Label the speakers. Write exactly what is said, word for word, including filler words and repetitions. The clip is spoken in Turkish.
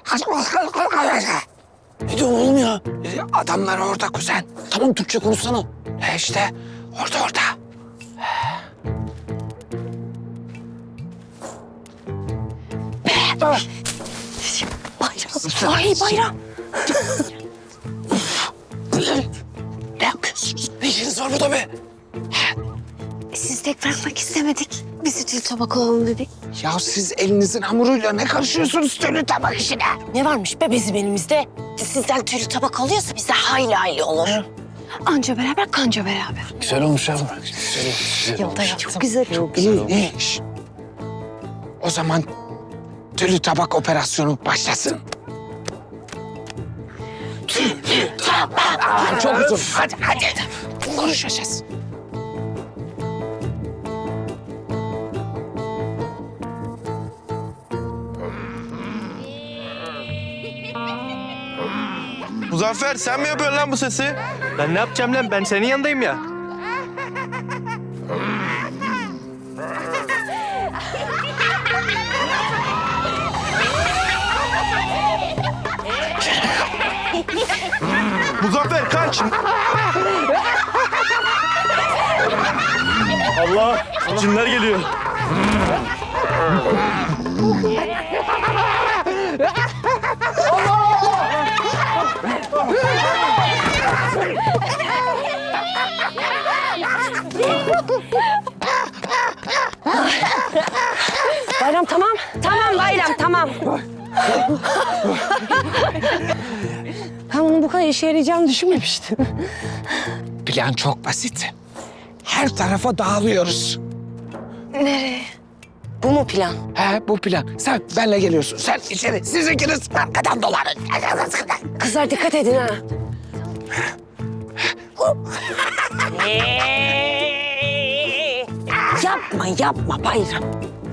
Speaker 1: Ne diyorsun oğlum ya?
Speaker 2: E, Adamlar orada kuzen.
Speaker 1: Tamam Türkçe konuşsana.
Speaker 2: E işte orada orada.
Speaker 3: Bayram. Ay bayram.
Speaker 2: Ne yapıyorsunuz? Ne işiniz var burada be?
Speaker 3: Sizi tek bırakmak istemedik. Biz tül tabak olalım dedik.
Speaker 2: Ya siz elinizin hamuruyla ne karışıyorsunuz tülü tabak işine?
Speaker 3: Ne varmış be bizim elimizde? Sizden tül tabak alıyorsa biz de hayli hayli olur. Anca beraber kanca beraber.
Speaker 1: Güzel olmuş yavrum. Güzel olmuş. Güzel
Speaker 3: Yolda
Speaker 1: olmuş.
Speaker 3: yaptım. Güzel çok.
Speaker 2: İyi, iyi iş. O zaman tülü tabak operasyonu başlasın. Tülü tabak. Aa, çok uzun. Hadi, hadi. Konuşacağız.
Speaker 4: Muzaffer sen mi yapıyorsun lan bu sesi?
Speaker 5: Ben ne yapacağım lan? Ben senin yanındayım ya.
Speaker 4: Muzaffer kaç!
Speaker 5: Allah! Cinler geliyor.
Speaker 3: Bayram tamam. Tamam bayram tamam. Ben onun bu kadar işe yarayacağını düşünmemiştim.
Speaker 2: Plan çok basit. Her tarafa dağılıyoruz.
Speaker 3: Nereye? Bu mu plan?
Speaker 2: He, bu plan. Sen benle geliyorsun. Sen içeri. Siz ikiniz arkadan dolanın.
Speaker 3: Kızlar dikkat edin ha. yapma yapma bayram.